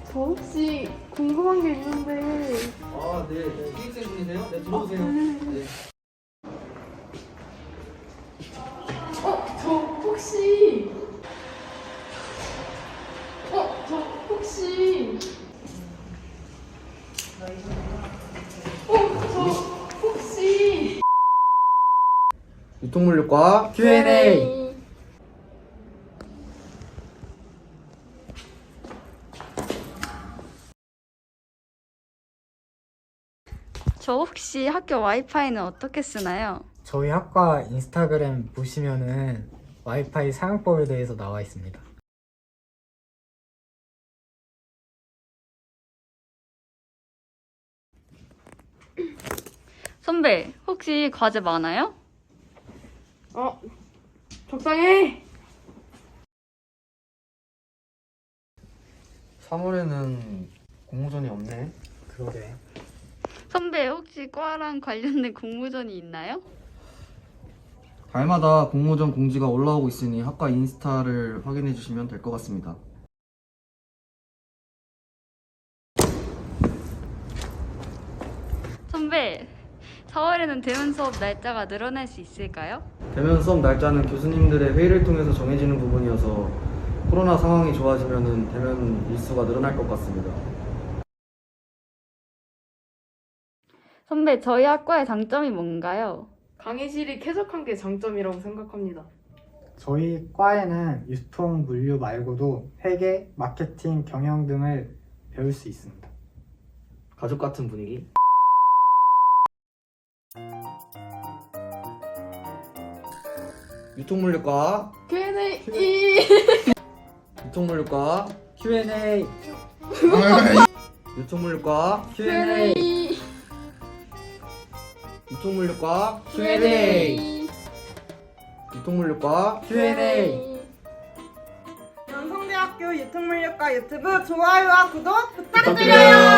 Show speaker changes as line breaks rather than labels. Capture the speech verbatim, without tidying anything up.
저 혹시 궁금한 게 있는데.
아, 네. 네. 기획생 분이세요? 네, 들어오세요.
어, 네.
네.
어, 저 혹시. 어, 저 혹시. 어, 저 혹시.
유통물류과 큐 앤 에이.
저 혹시 학교 와이파이는 어떻게 쓰나요?
저희 학과 인스타그램 보시면은 와이파이 사용법에 대해서 나와 있습니다.
선배, 혹시 과제 많아요?
어, 적당해.
삼월에는 공모전이 없네.
그러게.
선배, 혹시 과랑 관련된 공모전이 있나요?
달마다 공모전 공지가 올라오고 있으니 학과 인스타를 확인해 주시면 될 것 같습니다.
선배, 사월에는 대면 수업 날짜가 늘어날 수 있을까요?
대면 수업 날짜는 교수님들의 회의를 통해서 정해지는 부분이어서 코로나 상황이 좋아지면 대면 일수가 늘어날 것 같습니다.
선배, 저희 학과의 장점이 뭔가요?
강의실이 쾌적한 게 장점이라고 생각합니다.
저희 과에는 유통 물류 말고도 회계, 마케팅, 경영 등을 배울 수 있습니다.
가족 같은 분위기. 유통물류과
큐 앤 에이.
유통물류과
큐 앤 에이.
유통물류과
큐 앤 에이.
유통물류과
큐 앤 에이.
유통물류과
큐 앤 에이.
연성대학교 유통물류과 유튜브 좋아요와 구독 부탁드려요.